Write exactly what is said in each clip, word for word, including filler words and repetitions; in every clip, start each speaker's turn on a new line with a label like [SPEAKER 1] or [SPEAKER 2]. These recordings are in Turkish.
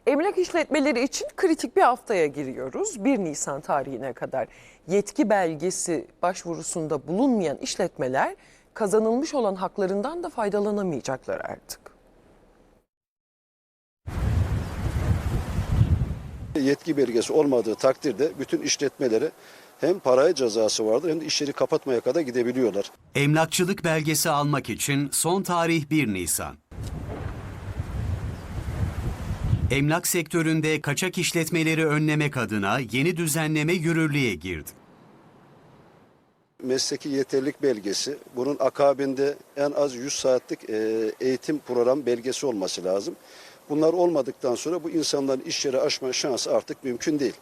[SPEAKER 1] Emlak işletmeleri için kritik bir haftaya giriyoruz. bir Nisan tarihine kadar yetki belgesi başvurusunda bulunmayan işletmeler kazanılmış olan haklarından da faydalanamayacaklar artık.
[SPEAKER 2] Yetki belgesi olmadığı takdirde bütün işletmelere hem paraya cezası vardır hem de işleri kapatmaya kadar gidebiliyorlar.
[SPEAKER 3] Emlakçılık belgesi almak için son tarih bir Nisan. Emlak sektöründe kaçak işletmeleri önlemek adına yeni düzenleme yürürlüğe girdi.
[SPEAKER 2] Mesleki yeterlilik belgesi, bunun akabinde en az yüz saatlik eğitim program belgesi olması lazım. Bunlar olmadıktan sonra bu insanların iş yeri açma şansı artık mümkün değil.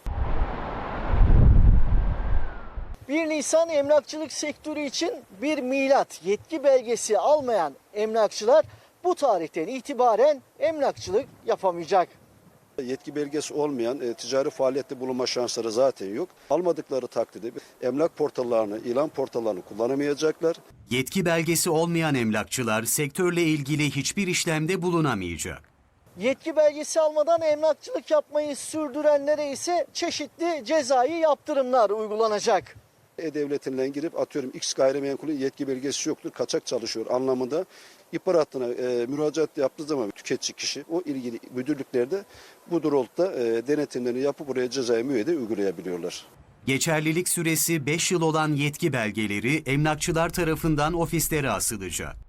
[SPEAKER 4] bir Nisan emlakçılık sektörü için bir milat. Yetki belgesi almayan emlakçılar bu tarihten itibaren emlakçılık yapamayacak.
[SPEAKER 2] Yetki belgesi olmayan e, ticari faaliyette bulunma şansları zaten yok. Almadıkları takdirde emlak portallarını, ilan portallarını kullanamayacaklar.
[SPEAKER 3] Yetki belgesi olmayan emlakçılar sektörle ilgili hiçbir işlemde bulunamayacak.
[SPEAKER 4] Yetki belgesi almadan emlakçılık yapmayı sürdürenlere ise çeşitli cezai yaptırımlar uygulanacak.
[SPEAKER 2] E-Devleti'nden girip atıyorum X gayrimenkulün yetki belgesi yoktur, kaçak çalışıyor anlamında ihbar hattına e, müracaat yaptığı zaman tüketici kişi o ilgili müdürlüklerde bu doğrultuda e, denetimlerini yapıp buraya cezai müeyyide uygulayabiliyorlar.
[SPEAKER 3] Geçerlilik süresi beş yıl olan yetki belgeleri emlakçılar tarafından ofislere asılacak.